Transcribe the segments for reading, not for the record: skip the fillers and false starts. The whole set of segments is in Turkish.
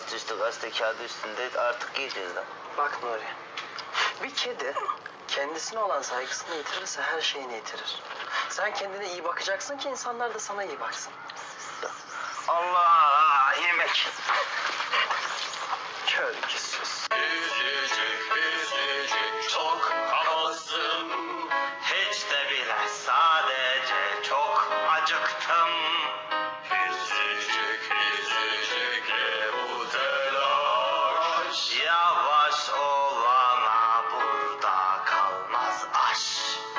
Alt üstü gazete kağıdı üstünde artık giyeceğiz lan. Bak Nuri, bir kedi kendisine olan saygısını yitirirse her şeyini yitirir. Sen kendine iyi bakacaksın ki insanlar da sana iyi baksın. Allah yemek. Kölgüsüz. Üzücük çok havasın. Hiç de bile sadece çok acıktım. Üzücük bu telaş. Yavaş olana burada kalmaz aş.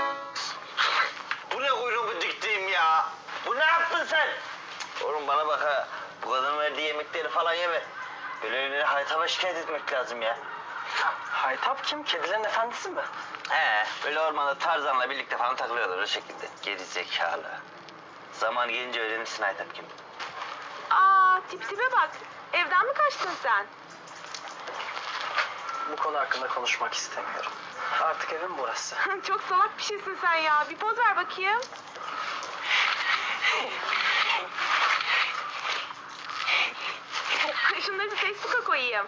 Bu ne kuyruğumu diktiğim ya? Bu ne yaptın sen? Oğlum bana bak ha. Bu kadının verdiği yemekleri falan yeme. Böyleleri Haytap'a şikayet etmek lazım ya. Haytap kim? Kedilerin efendisi mi? He, böyle ormanda Tarzan'la birlikte falan takılıyorlar o şekilde. Geri zekalı. Zaman gelince öğrenirsin Haytap kim. Aa, tipe bak. Evden mi kaçtın sen? Bu konu hakkında konuşmak istemiyorum. Artık evim burası. Çok salak bir şeysin sen ya. Bir poz ver bakayım. Şunları da Facebook'a koyayım.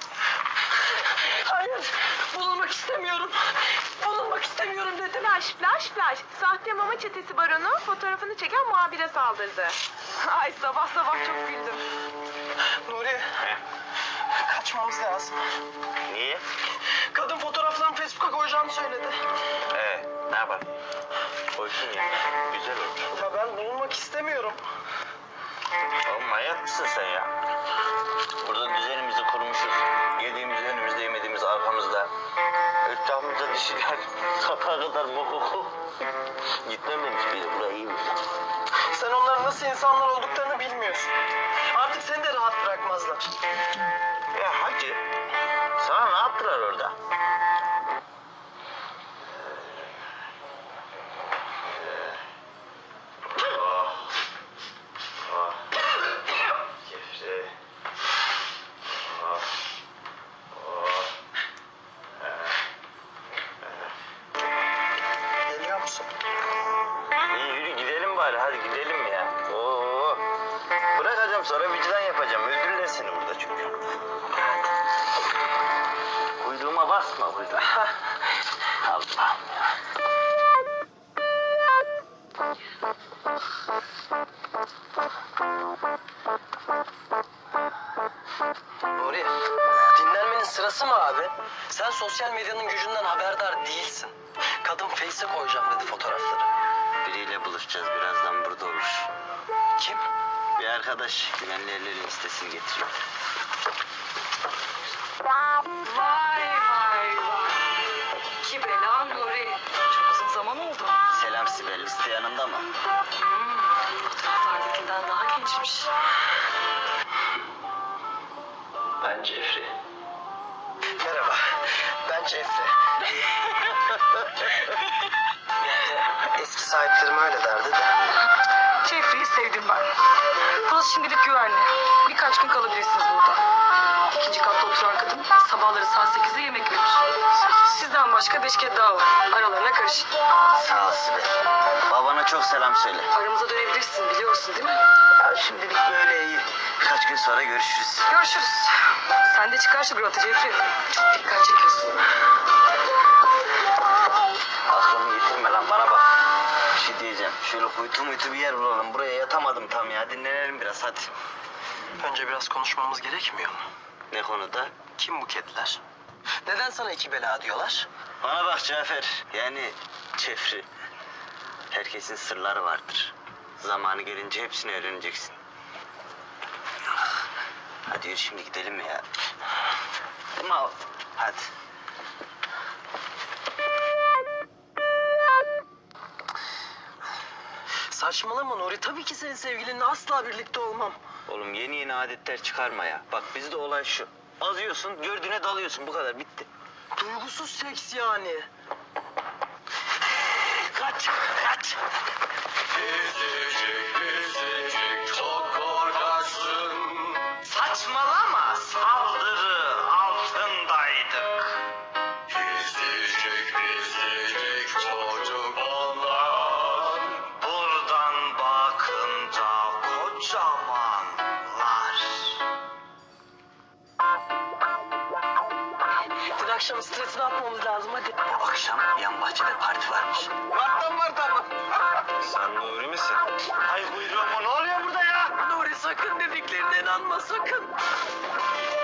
Hayır, bulunmak istemiyorum. Bulunmak istemiyorum dedim. Flash. Sahte mama çetesi baronu fotoğrafını çeken muhabire saldırdı. Ay sabah çok güldüm. Nuri, kaçmamız lazım. Niye? Kadın fotoğraflarını Facebook'a koyacağını söyledi. Ne yapalım? Koysun ya. Güzel olur. Ya ben bulunmak istemiyorum. Oğlum manyak mısın sen ya? Burada düzenimizi kurmuşuz. Yediğimiz önümüzde, yemediğimiz arkamızda. Etrafımızda dişiler. Sabaha kadar boku. Gitmem demiş biri. Burayı iyi mi? Sen onların nasıl insanlar olduklarını bilmiyorsun. Artık seni de rahat bırakmazlar. Ya hacı. Sana ne yaptılar orada? Kefre. Geliyor musun? İyi yürü gidelim bari. Hadi gidelim ya. Oo. Bırakacağım sonra vicdan yapacağım. Öldürürler seni burada çünkü. Kuyruğuma basma kuyruğuma. Allah'ım ya. Nuri, dinlenmenin sırası mı abi? Sen sosyal medyanın gücünden haberdar değilsin. Kadın Face'e koyacağım dedi fotoğrafları. Biriyle buluşacağız birazdan burada olur. Kim? Bir arkadaş güvenli ellerin listesini getiriyor. Vay. İki bela Nuri. Çok uzun zaman oldu. Selam Sibel, liste yanında mı? Fotoğraflardakinden daha gençmiş. Ben Cefri. Merhaba, ben Cefri. Eski sahiplerim öyle derdi de. Jeffrey'i sevdim ben. Burası şimdilik güvenli. Birkaç gün kalabilirsiniz burada. İkinci katta oturan kadın sabahları saat 8'de yemek verir. Sizden başka 5 kez daha var. Aralarına karışın. Sağ ol Sibel. Babana çok selam söyle. Aramıza dönebilirsin biliyorsun değil mi? Ya şimdilik böyle iyi. Birkaç gün sonra görüşürüz. Görüşürüz. Sen de çıkar şu grota Jeffrey. Çok dikkat çekiyorsun. Aklımı yitirme lan bana bak. Bir şey diyeceğim. Şöyle kuytu muytu bir yer bulalım. Buraya yatamadım tam ya. Dinlenelim biraz hadi. Önce biraz konuşmamız gerekmiyor mu? Ne konuda? Kim bu kediler? Neden sana iki bela diyorlar? Bana bak Cafer. Yani Cefri. Herkesin sırları vardır. Zamanı gelince hepsini öğreneceksin. Hadi yürü şimdi gidelim ya. Ama hadi. Saçmalama Nuri. Tabii ki senin sevgilinle asla birlikte olmam. Oğlum yeni adetler çıkarma ya. Bak bizde olay şu. Azıyorsun, gördüğüne dalıyorsun. Bu kadar bitti. Duygusuz seks yani. Kaç. Üzücük çok korkaksın. Saçmalama. Saldırı altındaydık. Üzücük çocuk onlar. Buradan bakınca kocamanlar. akşam stresini atmamız lazım hadi. Bu akşam yan bahçede parti varmış. Var tamam. Sen Nuri misin? Ay buyurun mu? Ne oluyor burada ya? Nuri sakın dediklerine inanma sakın.